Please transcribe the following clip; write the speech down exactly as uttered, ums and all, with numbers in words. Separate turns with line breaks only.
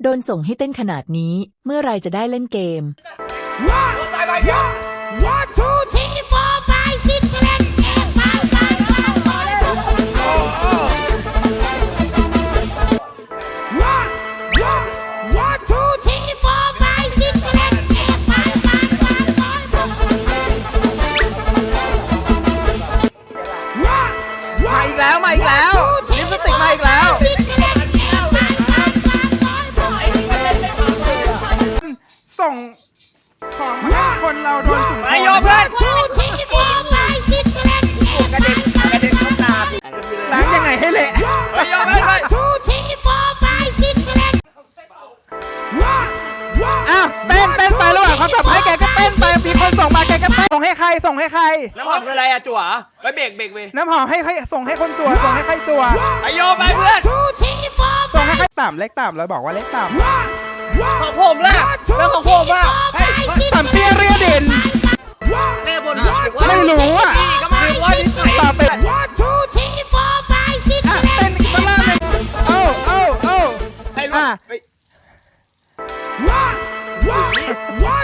ดนส่งให้เต้นขนาดนี้เมื่อไรจะได้เล่นเกม
One two three four five six seven eight nine nine One one two three four five six seven eight nine nine
มาอีกแล้วมาอีกแล้วลิปสติกมาอีกแล้วส่งของมาให้คนเราโดนถุงไปโยเพื่อนกระเด็นกระเด็นเข้าตาล้างยังไงให้เละไปโยเพื่อนอ้าวเต้นเต้นไประหว่างเขาสับให้แกก็เต้นไปมีคนส่งมาแกก็เต้นส่งให้ใครส่งให้ใคร
น้ำหอมคืออะไรอะจั่วไปเบรกเบรกเบรก
น้ำหอมให้ใครส่งให้คนจั่วส่งให้ใครจั่ว
ไปโยไปเพื่อน
ส่งให้ใครต่ำเล็กต่ำเราบอกว่าเล็กต่ำ
ของผมล่ะเรื่องของผมล่ะ
ต่ำเตี้ยเรียดิน
เล่บน
ไม่รู้อ่ะต่ำเป็น
one two three four five six
อ่ะเต้นสลาเลยโอ้โอ้โอ้
ให้รู้
one one